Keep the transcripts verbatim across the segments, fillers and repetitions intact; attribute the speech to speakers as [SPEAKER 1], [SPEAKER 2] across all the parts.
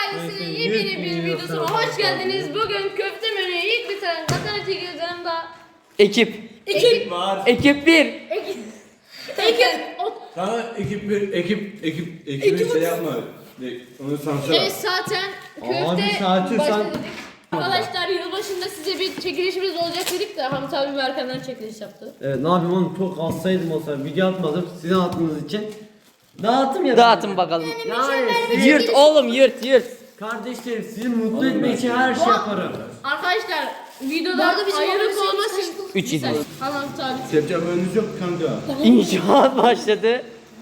[SPEAKER 1] ailesinin yepyeni bir videosuna hoş geldiniz. Bugün köfte menüyü ilk bitiren katana çekiyoruz yanında.
[SPEAKER 2] Ekip.
[SPEAKER 1] Ekip
[SPEAKER 3] var.
[SPEAKER 2] Ekip bir.
[SPEAKER 1] Ekip. Ekip.
[SPEAKER 3] Sana ekip bir ekip ekip ekibi şey yapma. Onu sansür.
[SPEAKER 1] Evet zaten köfte
[SPEAKER 4] Abi, saati
[SPEAKER 1] başta
[SPEAKER 4] sen-
[SPEAKER 1] dedik. Arkadaşlar yılbaşında size bir çekilişimiz olacak dedik de Hamit abi Berkan'dan çekiliş yaptı.
[SPEAKER 4] Evet, ne yapayım oğlum, çok hastaydım o zaman, video atmadım sizin attığınız için. Dağıtım ya.
[SPEAKER 2] Dağıtın bakalım.
[SPEAKER 4] Yani siz-
[SPEAKER 2] Yırt oğlum yırt yırt.
[SPEAKER 4] kardeşlerim, sizi mutlu etmek için her şey yaparım.
[SPEAKER 1] Arkadaşlar videoda ayrılık olmasın.
[SPEAKER 2] Üç idi.
[SPEAKER 1] Hamit abi.
[SPEAKER 3] Sepacağım önünüz yok kanka.
[SPEAKER 2] İnşaat başladı.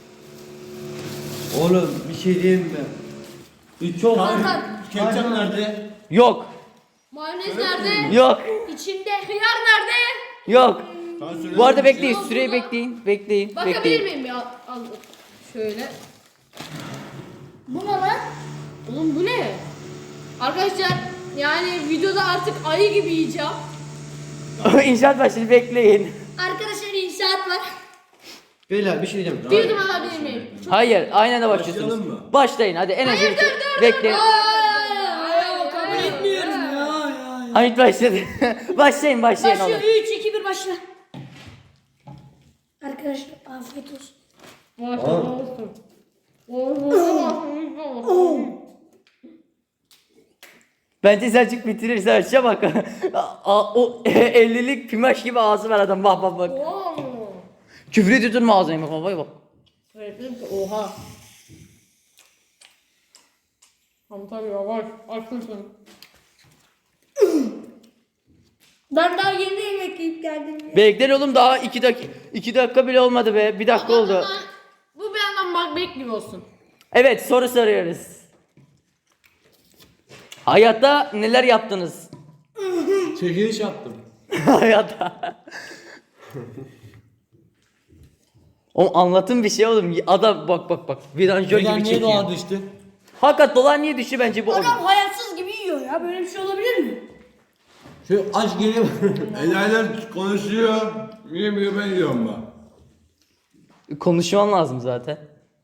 [SPEAKER 4] Oğlum bir şey diyeyim mi? Bir çok
[SPEAKER 1] Hakan.
[SPEAKER 3] Ketçap nerede?
[SPEAKER 2] Yok.
[SPEAKER 1] Mayonez nerede?
[SPEAKER 2] Yok.
[SPEAKER 1] İçinde hıyar nerede?
[SPEAKER 2] Yok.
[SPEAKER 3] Sana söyle.
[SPEAKER 2] Bu arada bekleyin.
[SPEAKER 1] Yok,
[SPEAKER 2] Süreyi
[SPEAKER 1] burada.
[SPEAKER 2] bekleyin. Bekleyin.
[SPEAKER 1] Bakabilir
[SPEAKER 2] Bekleyin.
[SPEAKER 1] miyim ya? Al, şöyle. Bu ne lan? Oğlum bu ne? Arkadaşlar yani videoda artık ayı gibi yiyeceğim.
[SPEAKER 2] İnşaat başladı. Bekleyin.
[SPEAKER 1] Arkadaşlar inşaat var.
[SPEAKER 4] Beyler bir şey diyeceğim.
[SPEAKER 1] Bir numara alabilir miyim?
[SPEAKER 2] Hayır. Aynen de başlıyorsunuz.
[SPEAKER 3] Başlayalım mı?
[SPEAKER 2] Başlayın. Hadi en az
[SPEAKER 1] Hayır
[SPEAKER 2] iki-
[SPEAKER 1] dur dur dur.
[SPEAKER 2] Bekleyin.
[SPEAKER 1] Hayır kabul etmiyorum ya.
[SPEAKER 2] Hamit başladı. Başlayın başlayın oğlum.
[SPEAKER 5] Başlıyor. üç iki bir başla. Arkadaşlar afiyet olsun.
[SPEAKER 2] Bence Selçuk bitirir Selçuk'a bak. A- o ellilik pimaş gibi ağzı var adam. Bak bak bak. Küfür ediyordur mu ağzına? Bak bak bak.
[SPEAKER 1] Oha. Hamit abi yavaş açmışsın.
[SPEAKER 5] Ben daha yeni yemek yiyip geldim. Ya.
[SPEAKER 2] Bekler oğlum daha iki dakika iki dakika bile olmadı be. Bir dakika oldu.
[SPEAKER 1] Bu bir yandan Macbeth gibi olsun.
[SPEAKER 2] Evet soru soruyoruz. Hayatta neler yaptınız?
[SPEAKER 3] Çekiliş yaptım.
[SPEAKER 2] Hayatta. Oğlum anlatın bir şey oğlum. Adam bak bak bak. Vidanjör
[SPEAKER 4] Beyler
[SPEAKER 2] gibi
[SPEAKER 4] niye
[SPEAKER 2] çekiyor.
[SPEAKER 4] doğa düştü?
[SPEAKER 2] Hakikat dolar niye düştü bence bu oğlum.
[SPEAKER 5] Adam hayatsız gibi yiyor ya. Böyle bir şey olabilir mi?
[SPEAKER 4] Şu aç geliyor.
[SPEAKER 3] Enayiler konuşuyor. Yemiyor ben yiyorum bak.
[SPEAKER 2] Konuşman lazım zaten.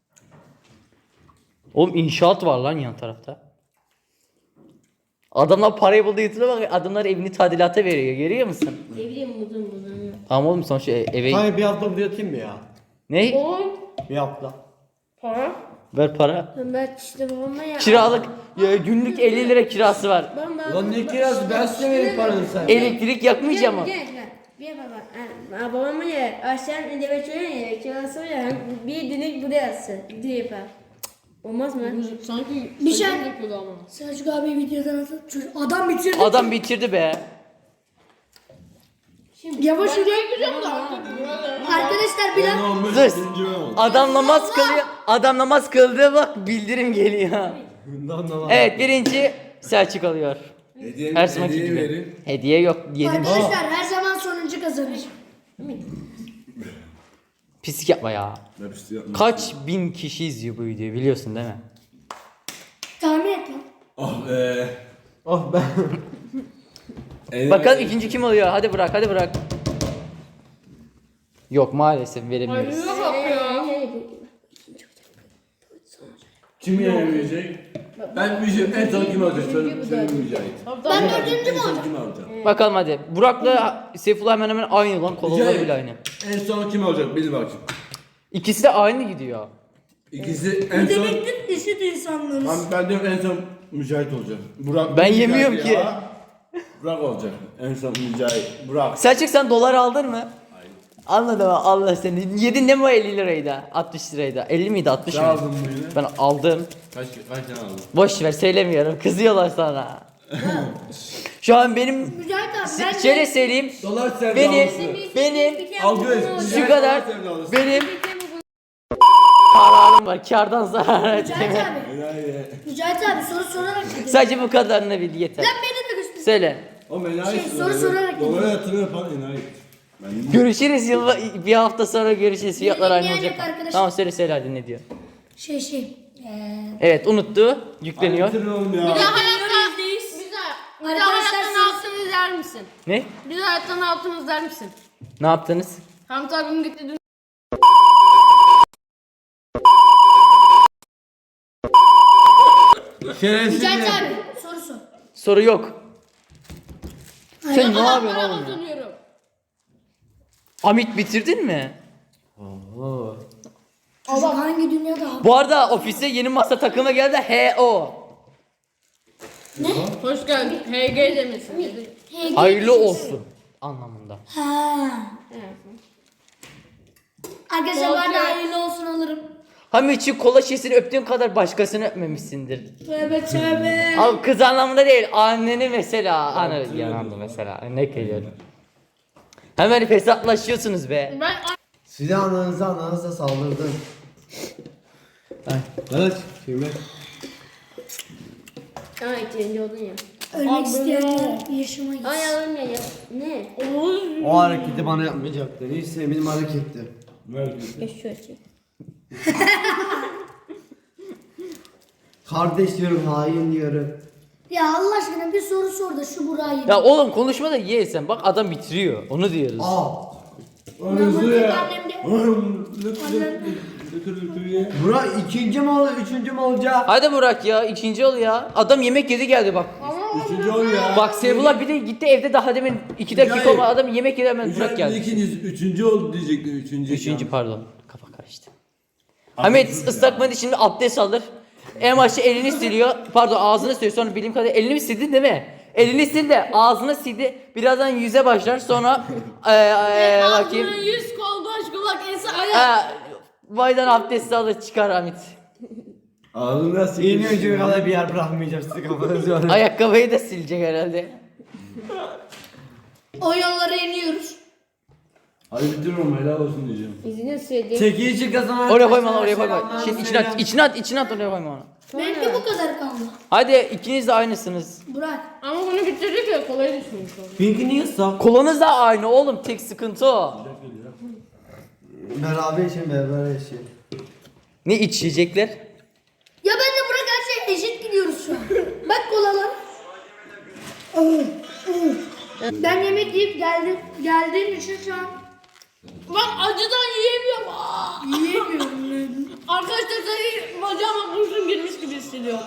[SPEAKER 2] Oğlum inşaat var lan yan tarafta. Adamlar parayı buldu yatırıyor bak adamlar evini tadilata veriyor görüyor musun?
[SPEAKER 1] Ne bileyim buldum buldum.
[SPEAKER 2] Tamam oğlum sonuçta e- eve...
[SPEAKER 4] Hayır, bir hafta buraya atayım mı ya?
[SPEAKER 2] Ne?
[SPEAKER 1] Oğlum
[SPEAKER 4] Bir hafta.
[SPEAKER 1] para.
[SPEAKER 2] Ver para.
[SPEAKER 5] Ben işte babamla ya.
[SPEAKER 2] Kiralık ya, günlük elli lira kirası var.
[SPEAKER 1] Ben ben.
[SPEAKER 4] Lan ne kirası, ben size vereyim paranı sen.
[SPEAKER 2] Elektrik yakmayacağım mı?
[SPEAKER 5] Gel gel. Bir baba. Ha, babamla ya. Aşağı eve çoğun ya. Kirası var ya. Bir dinik buraya atsın. Diye yapar. Olmaz mı?
[SPEAKER 1] Sanki
[SPEAKER 5] Bir şey-
[SPEAKER 1] saçım yapıyordu ama.
[SPEAKER 5] Selçuk abi videodan atıp çocuk adam bitirdi.
[SPEAKER 2] Adam bitirdi be.
[SPEAKER 5] Yavaş yürü.
[SPEAKER 1] Yapacağım da artık.
[SPEAKER 5] Arkadaşlar biraz
[SPEAKER 3] Ben olmuş.
[SPEAKER 2] Dur.
[SPEAKER 3] ikinci ben oldum.
[SPEAKER 2] Adam namaz kılıyor. Adam namaz kıldığı bak bildirim geliyor.
[SPEAKER 4] Bundan da var.
[SPEAKER 2] Evet birinci Selçuk alıyor.
[SPEAKER 3] Hediye,
[SPEAKER 2] Her zamanki
[SPEAKER 3] hediye
[SPEAKER 2] gibi.
[SPEAKER 3] verin.
[SPEAKER 2] Hediye yok. Yedim.
[SPEAKER 5] arkadaşlar her zaman sonuncu kazanır.
[SPEAKER 2] Pislik yapma ya.
[SPEAKER 3] Ben bir şey yapmam.
[SPEAKER 2] Kaç bin kişi izliyor bu videoyu biliyorsun değil mi?
[SPEAKER 5] Tahmin et lan.
[SPEAKER 3] Ah be.
[SPEAKER 4] Oh ben.
[SPEAKER 3] Enayi-
[SPEAKER 2] Bakalım ikinci kim oluyor? Hadi bırak hadi bırak. Yok maalesef veremiyoruz.
[SPEAKER 1] Hayırlı bak ya.
[SPEAKER 3] Kim yenemeyecek? Ben bir şey en son kim alacak? Söyle, söyle Mücahit.
[SPEAKER 1] Ben
[SPEAKER 3] En son kim alacak?
[SPEAKER 2] Bakalım hadi. Burak'la Seyfullah hemen hemen aynı lan. Kolalar
[SPEAKER 3] Mücahit.
[SPEAKER 2] bile aynı.
[SPEAKER 3] En son kim alacak? Bil bakayım.
[SPEAKER 2] İkisi de aynı gidiyor.
[SPEAKER 3] İkisi en son...
[SPEAKER 5] Demektir eşit insanlarız.
[SPEAKER 3] Ben, ben diyorum en son Mücahit olacak. Burak
[SPEAKER 2] Ben
[SPEAKER 3] Mücahit
[SPEAKER 2] yemiyorum
[SPEAKER 3] ya.
[SPEAKER 2] ki.
[SPEAKER 3] Burak olacak. En son Mücahit. Burak.
[SPEAKER 2] Selçuk sen dolar aldın mı? Anladım Allah seni. Yedin ne bu elli lirayı da? altmış lirayı da. elli miydi altmış
[SPEAKER 3] Sen
[SPEAKER 2] mıydı?
[SPEAKER 3] aldın mı yine?
[SPEAKER 2] Ben aldım.
[SPEAKER 3] Kaç, kaç tane aldın?
[SPEAKER 2] Boş ver söylemiyorum. Kızıyorlar sana. Şu an benim
[SPEAKER 5] Mücahit abi ben
[SPEAKER 2] şöyle söyleyeyim.
[SPEAKER 3] Dolar sevdalısı.
[SPEAKER 2] Benim benim
[SPEAKER 3] Algı
[SPEAKER 2] şu kadar
[SPEAKER 3] sevdalısı.
[SPEAKER 2] benim kararım var. Kardan zarar
[SPEAKER 5] Mücahit
[SPEAKER 2] etmem.
[SPEAKER 5] abi.
[SPEAKER 3] Enayi.
[SPEAKER 5] Mücahit abi soru sorarak gidiyor.
[SPEAKER 2] Sadece bu kadarını bil yeter.
[SPEAKER 5] Lan beni de göster.
[SPEAKER 2] Söyle.
[SPEAKER 3] O enayi.
[SPEAKER 5] Şey, soru sorarak
[SPEAKER 3] Dolara yatırım yapan enayi. Ben
[SPEAKER 2] Görüşürüz yılba bir hafta sonra görüşürüz. Fiyatlar aynı
[SPEAKER 5] dinleyen
[SPEAKER 2] olacak.
[SPEAKER 5] yok arkadaşlar.
[SPEAKER 2] Tamam söyle söyle hadi ne diyor.
[SPEAKER 5] Şey şey. Eee.
[SPEAKER 2] Evet unuttu. Yükleniyor.
[SPEAKER 3] Bitirin oğlum
[SPEAKER 1] Bir
[SPEAKER 3] ya.
[SPEAKER 1] daha hayatta bize bir daha
[SPEAKER 5] Arkadaşlar
[SPEAKER 1] hayattan
[SPEAKER 5] siz-
[SPEAKER 1] altın izler misin?
[SPEAKER 2] Ne?
[SPEAKER 1] Bir daha hayattan altın izler misin?
[SPEAKER 2] Ne yaptınız?
[SPEAKER 1] Hamit abim gitti dün.
[SPEAKER 3] Şerefsiz.
[SPEAKER 6] Mücahit abi soru sor.
[SPEAKER 2] Soru yok. Sen ne yapıyorsun
[SPEAKER 1] Ben
[SPEAKER 2] oğlum ya?
[SPEAKER 1] kazanıyorum.
[SPEAKER 2] Hamit bitirdin mi?
[SPEAKER 6] Çocuk hangi dünyada abi?
[SPEAKER 2] Bu arada ofise yeni masa takımı geldi. H O.
[SPEAKER 1] Hoş geldin. H G demesin. dedi.
[SPEAKER 6] H G
[SPEAKER 2] Hayırlı olsun anlamında.
[SPEAKER 6] Ha. Arkadaşlar
[SPEAKER 1] Yok,
[SPEAKER 6] ben de
[SPEAKER 1] yok.
[SPEAKER 6] hayırlı olsun alırım.
[SPEAKER 2] Hamitçi kola şişesini öptüğün kadar başkasını öpmemişsindir.
[SPEAKER 6] Tövbe tövbe.
[SPEAKER 2] Abi kız anlamında değil. Anneni mesela. Anı yanandı mesela. Ne geliyor? Hemen hesaplaşıyorsunuz be.
[SPEAKER 1] Ben
[SPEAKER 4] Size ananıza ananıza saldırdı. Ay, evet, şimdi.
[SPEAKER 5] Aa ikinci oldun ya.
[SPEAKER 6] Ölmek isteyenler yaşıma gitsin.
[SPEAKER 5] Ay yavrum ya. Ne?
[SPEAKER 4] O hareketi bana yapmayacaktı. Hiç sevmediğim hareketti.
[SPEAKER 5] Geç şu açı.
[SPEAKER 4] Kardeş diyorum, hain diyorum.
[SPEAKER 6] Ya Allah aşkına bir soru sor da şu burayı.
[SPEAKER 2] Ya oğlum konuşma da ye sen. Bak adam bitiriyor. Onu diyoruz.
[SPEAKER 4] Aa,
[SPEAKER 3] Hızlı ya.
[SPEAKER 6] Annemde.
[SPEAKER 4] Burak ikinci mi oldu, üçüncü mü olacak?
[SPEAKER 2] Hadi Burak ya ikinci ol ya. Adam yemek yedi geldi bak.
[SPEAKER 3] Üçüncü ol ya.
[SPEAKER 2] Bak Sevullah bir de gitti evde daha demin iki dakika
[SPEAKER 3] Mücahit.
[SPEAKER 2] olmadı adam yemek yedi hemen Burak
[SPEAKER 3] Mücahit
[SPEAKER 2] geldi.
[SPEAKER 3] ikinci, üçüncü oldu diyecektim. Üçüncü.
[SPEAKER 2] Üçüncü pardon. Kafa karıştı. Hamit ıslak mendil şimdi abdest alır. En başta elini siliyor. Pardon ağzını siliyor. Sonra bildiğim kadarıyla elini mi sildin değil mi? Elini sil de ağzını sildi. Birazdan yüze başlar. Sonra eee eee bakayım.
[SPEAKER 1] ağzının yüz kol baş kulak ense ayak.
[SPEAKER 2] Eee Baydan abdesti alır çıkar Hamit.
[SPEAKER 3] Ağzını nasıl
[SPEAKER 4] İğne ucuna kadar bir yer bırakmayacağım size kafanızı öyle.
[SPEAKER 2] Ayakkabıyı da silecek herhalde.
[SPEAKER 6] O yollara iniyoruz.
[SPEAKER 3] Hadi bitiriyorum helal olsun diyeceğim.
[SPEAKER 5] İzini söyleyeyim.
[SPEAKER 4] Çekilişi kazanan
[SPEAKER 2] Oraya koyma lan oraya koyma.
[SPEAKER 4] selamlar,
[SPEAKER 2] Şimdi içine at,
[SPEAKER 4] selam.
[SPEAKER 2] içine at, içine at oraya koyma onu.
[SPEAKER 6] Benimki bu kadar kaldı.
[SPEAKER 2] Hadi ikiniz de aynısınız.
[SPEAKER 6] Burak.
[SPEAKER 1] Ama bunu bitirdik ya kolay düşmüş oldu.
[SPEAKER 4] Pinky niye saf?
[SPEAKER 2] Kolanız da aynı oğlum tek sıkıntı o.
[SPEAKER 4] Beraber için beraber için.
[SPEAKER 2] Ne içecekler?
[SPEAKER 6] Ya ben de Burak her şey eşit gidiyoruz şu an. Bak kolalar. Ben yemek yiyip geldim. Geldiğim için şu an
[SPEAKER 1] Ben acıdan yiyemiyorum. Aa!
[SPEAKER 6] yiyemiyorum.
[SPEAKER 1] Arkadaşlar seni bacağıma kurşun girmiş gibi hissediyorum.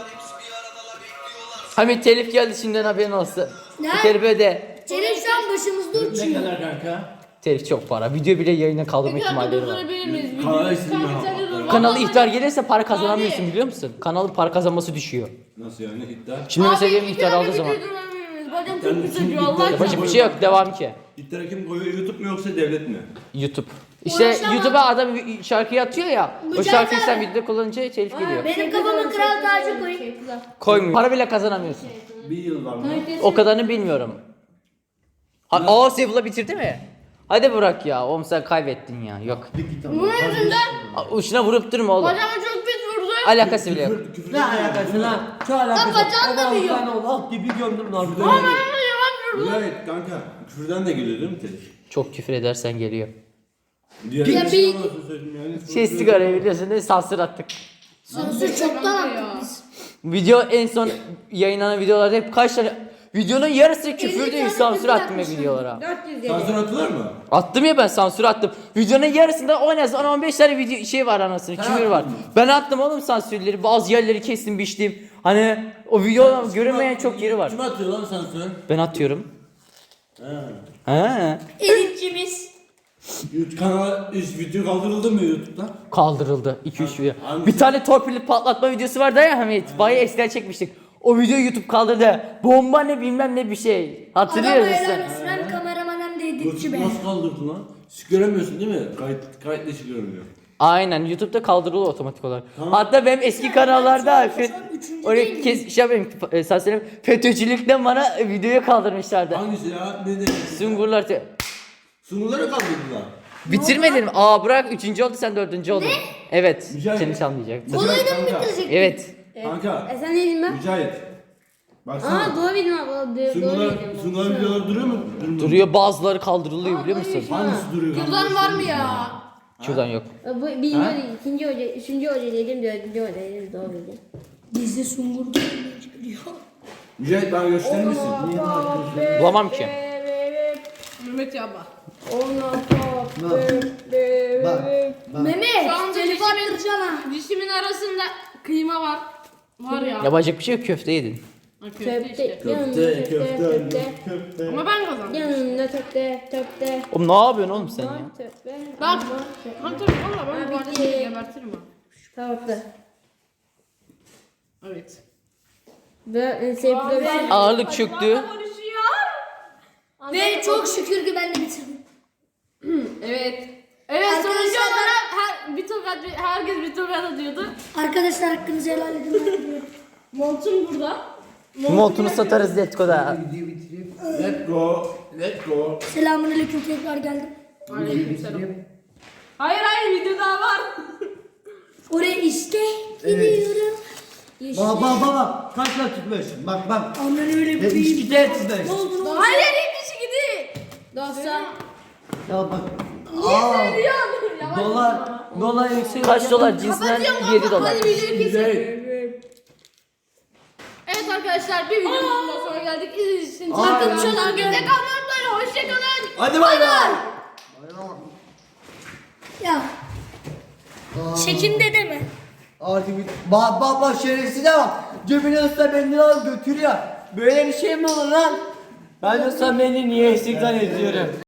[SPEAKER 2] Hamit telif geldi şimdiden haberin olsun.
[SPEAKER 6] Ne?
[SPEAKER 2] Bu telifi öde.
[SPEAKER 6] Çelik şu an başımızda
[SPEAKER 3] Ne
[SPEAKER 6] uçuyor.
[SPEAKER 3] kadar kanka?
[SPEAKER 2] Telif çok para. Video bile yayına kaldırma
[SPEAKER 1] Bir dakika
[SPEAKER 2] ihtimalleri var.
[SPEAKER 1] durdurabilir miyiz?
[SPEAKER 3] Kanala
[SPEAKER 1] Bir-
[SPEAKER 3] isim
[SPEAKER 1] Kanka,
[SPEAKER 3] ya.
[SPEAKER 1] sen de dur.
[SPEAKER 2] Kanalı
[SPEAKER 1] Vallahi-
[SPEAKER 2] ihtar gelirse para kazanamıyorsun
[SPEAKER 1] Abi.
[SPEAKER 2] biliyor musun? Kanalın para kazanması düşüyor.
[SPEAKER 3] Nasıl yani iddia?
[SPEAKER 2] Şimdi mesela benim
[SPEAKER 1] Abi,
[SPEAKER 2] ihtar
[SPEAKER 1] bir
[SPEAKER 2] aldığı
[SPEAKER 1] dakika
[SPEAKER 2] zaman.
[SPEAKER 1] bir durdurabilir miyiz? Bacağım
[SPEAKER 3] Ben
[SPEAKER 1] çok
[SPEAKER 3] bütün
[SPEAKER 1] hissediyor Allah
[SPEAKER 3] iddia-
[SPEAKER 1] aşkına.
[SPEAKER 2] Yapacak bir şey yok devam ki.
[SPEAKER 3] İddia kim koyuyor YouTube mu yoksa devlet mi?
[SPEAKER 2] YouTube. İşte
[SPEAKER 6] Uğraşamam.
[SPEAKER 2] YouTube'a adam şarkıyı atıyor ya. O
[SPEAKER 6] Mücahit
[SPEAKER 2] şarkıyı
[SPEAKER 6] abi.
[SPEAKER 2] sen videoda kullanınca telif geliyor.
[SPEAKER 6] Benim kafama kral tacı koyun.
[SPEAKER 2] Koymuyor. Para bile kazanamıyorsun.
[SPEAKER 3] Bir yıl var mı?
[SPEAKER 2] O kadarını bilmiyorum. Ha, aa Sevullah bitirdi mi? Hadi Burak ya. Oğlum sen kaybettin ya. Yok.
[SPEAKER 1] Bunun yüzünden
[SPEAKER 2] Aa, Uçuna vurup durma oğlum.
[SPEAKER 1] bacağıma çok pis vurdu.
[SPEAKER 2] Alakası bile yok.
[SPEAKER 3] Küfür, küfür
[SPEAKER 4] Ne alakası lan? Şu alakası.
[SPEAKER 6] bacağın da
[SPEAKER 4] Allah'ım
[SPEAKER 6] büyüyor.
[SPEAKER 4] sen ol, alt gibi gömdüm lan.
[SPEAKER 1] Ama bana yalan vurdu.
[SPEAKER 3] Mücahit kanka küfürden de geliyor değil mi telif?
[SPEAKER 2] Çok küfür edersen geliyor.
[SPEAKER 3] Diğer
[SPEAKER 6] Ya
[SPEAKER 3] bir
[SPEAKER 6] bir-
[SPEAKER 3] şey olmasın söyleyeyim yani.
[SPEAKER 2] Şey sigarayı biliyorsun değil mi? Sansür attık.
[SPEAKER 6] Sorusu çoktan attık biz.
[SPEAKER 2] Video en son yayınlanan videolarda hep kaç tane videonun yarısı küfür
[SPEAKER 6] elli
[SPEAKER 2] değil
[SPEAKER 6] tane
[SPEAKER 2] sansür
[SPEAKER 6] küfür
[SPEAKER 2] attım ya
[SPEAKER 6] atmışım.
[SPEAKER 2] videolara.
[SPEAKER 5] dört yüz yedi.
[SPEAKER 3] Sansür atılır mı?
[SPEAKER 2] Attım ya ben sansür attım. Videonun yarısında on az on on beş tane video şey var anasını küfür var. Ben attım oğlum sansürleri bazı yerleri kestim biçtim. Hani o video görünmeyen çok yeri var.
[SPEAKER 3] Kim atıyor lan sansür?
[SPEAKER 2] Ben atıyorum.
[SPEAKER 3] He.
[SPEAKER 2] He.
[SPEAKER 6] Editçimiz.
[SPEAKER 3] YouTube kanala üç video kaldırıldı mı YouTube'dan?
[SPEAKER 2] Kaldırıldı iki üç video.
[SPEAKER 3] Hangisi?
[SPEAKER 2] Bir tane torpilli patlatma videosu vardı ya Hamit. Bayağı eskiden çekmiştik. O videoyu YouTube kaldırdı. Bomba ne bilmem ne bir şey. Hatırlıyor
[SPEAKER 6] Adama
[SPEAKER 2] musun?
[SPEAKER 6] helal olsun. Hem kameraman hem de editçi be.
[SPEAKER 3] YouTube nasıl kaldırdı lan? Hiç göremiyorsun değil mi? Kayıt, kayıt dışı görünüyor.
[SPEAKER 2] Aynen YouTube'da kaldırılıyor otomatik olarak.
[SPEAKER 3] Tamam.
[SPEAKER 2] Hatta benim eski kanallarda
[SPEAKER 6] şu an
[SPEAKER 2] fe-
[SPEAKER 6] üçüncü
[SPEAKER 2] oraya
[SPEAKER 6] değil
[SPEAKER 2] kes şey yapayım e, sen söyle FETÖ'cülükten bana videoyu kaldırmışlardı.
[SPEAKER 3] Hangisi ya? Ne dedi?
[SPEAKER 2] Sungurlar te-
[SPEAKER 3] Sunguları kaldırdılar.
[SPEAKER 2] bitirmedin mi? Aa Burak üçüncü oldu sen dördüncü oldun. Evet.
[SPEAKER 3] Mücahit.
[SPEAKER 2] Seni çalmayacaktım.
[SPEAKER 6] Kolayı da mı
[SPEAKER 3] Kanka.
[SPEAKER 6] bitirecek?
[SPEAKER 2] Evet.
[SPEAKER 3] Kanka.
[SPEAKER 5] E sen ne dedin ben?
[SPEAKER 3] Mücahit. Baksana.
[SPEAKER 5] Aa doğru bildim abi. Doğru, doğru
[SPEAKER 3] Sungular,
[SPEAKER 5] bildim.
[SPEAKER 3] sungular videoları duruyor mu? Durmuyor.
[SPEAKER 2] Duruyor bazıları kaldırılıyor biliyor musun?
[SPEAKER 3] Hangisi duruyor?
[SPEAKER 1] Kızlar var mı ya?
[SPEAKER 2] Şuradan yok.
[SPEAKER 5] E, Bu birinci hoca, ikinci hoca, üçüncü hoca dedim, dördüncü hoca dedim, doğru bildim.
[SPEAKER 6] Bizde sungur geliyor.
[SPEAKER 3] Mücahit bana gösterir misin?
[SPEAKER 2] Bulamam ki.
[SPEAKER 1] Mehmet ya bak.
[SPEAKER 4] Bak. Bak.
[SPEAKER 6] Mehmet,
[SPEAKER 1] Şu anda
[SPEAKER 6] telif
[SPEAKER 1] dişimin,
[SPEAKER 6] attıracaksın ha.
[SPEAKER 1] dişimin arasında kıyma var. Var ya.
[SPEAKER 2] Yapacak bir şey yok, köfte yedin.
[SPEAKER 1] Ha, köfte
[SPEAKER 5] Köfte,
[SPEAKER 1] işte.
[SPEAKER 5] yanında
[SPEAKER 4] Köfte,
[SPEAKER 5] köfte,
[SPEAKER 4] köfte,
[SPEAKER 5] köfte.
[SPEAKER 4] köfte.
[SPEAKER 1] Ama ben kazandım.
[SPEAKER 5] Yanında köfte, köfte.
[SPEAKER 2] Oğlum ne yapıyorsun oğlum sen ya?
[SPEAKER 5] Köfte.
[SPEAKER 1] Bak. Kanka valla ben
[SPEAKER 5] Abi
[SPEAKER 1] bu arada
[SPEAKER 5] ki-
[SPEAKER 1] seni gebertirim ha.
[SPEAKER 5] Tavuklu.
[SPEAKER 1] Evet.
[SPEAKER 5] Ve en sevdiğim şey.
[SPEAKER 2] Ağırlık çöktü.
[SPEAKER 6] Ve çok şükür ki ben de bitirdim.
[SPEAKER 1] Evet. Evet
[SPEAKER 6] Arkadaşlar
[SPEAKER 1] sonucu
[SPEAKER 6] ben-
[SPEAKER 1] olarak her, bir tokat, herkes bir tokat atıyordu.
[SPEAKER 6] Arkadaşlar hakkınızı helal edin. Ben gidiyorum.
[SPEAKER 1] Montum burada.
[SPEAKER 2] Montunu satarız Letgo'da.
[SPEAKER 3] Let's go. Let's go.
[SPEAKER 6] Selamünaleyküm tekrar geldim.
[SPEAKER 1] Aleykümselam. Hayır hayır video daha var.
[SPEAKER 6] Oraya işte gidiyorum.
[SPEAKER 4] Bak bak bak bak. Kaç lira tutmuş? Bak bak.
[SPEAKER 6] Aman öyle
[SPEAKER 4] Ya
[SPEAKER 6] bir
[SPEAKER 4] içki de tutmuş.
[SPEAKER 1] Hayır hiçbir şey gidi.
[SPEAKER 5] Dostlar.
[SPEAKER 4] Ya bak. Aa,
[SPEAKER 1] Yavaş.
[SPEAKER 4] dolar. Dolar yükseliyor.
[SPEAKER 2] Kaç dolar cinsinden yedi dolar.
[SPEAKER 1] Hadi videoyu kesin.
[SPEAKER 3] Güzel.
[SPEAKER 1] Evet arkadaşlar bir videomuzun da sonuna geldik. İzlediğiniz için
[SPEAKER 4] Aa,
[SPEAKER 1] çok
[SPEAKER 4] evet.
[SPEAKER 1] teşekkür ederim. Bize kalmayı unutmayın. Hoşçakalın.
[SPEAKER 4] Hadi bay bay.
[SPEAKER 6] Ya. Çekin de deme.
[SPEAKER 4] Artık bir... Bak bak bak şerefsize bak. Cebine ıslak mendil al götür ya. Böyle bir şey mi olur lan? Ben ıslak mendil niye eksik zannediyorum.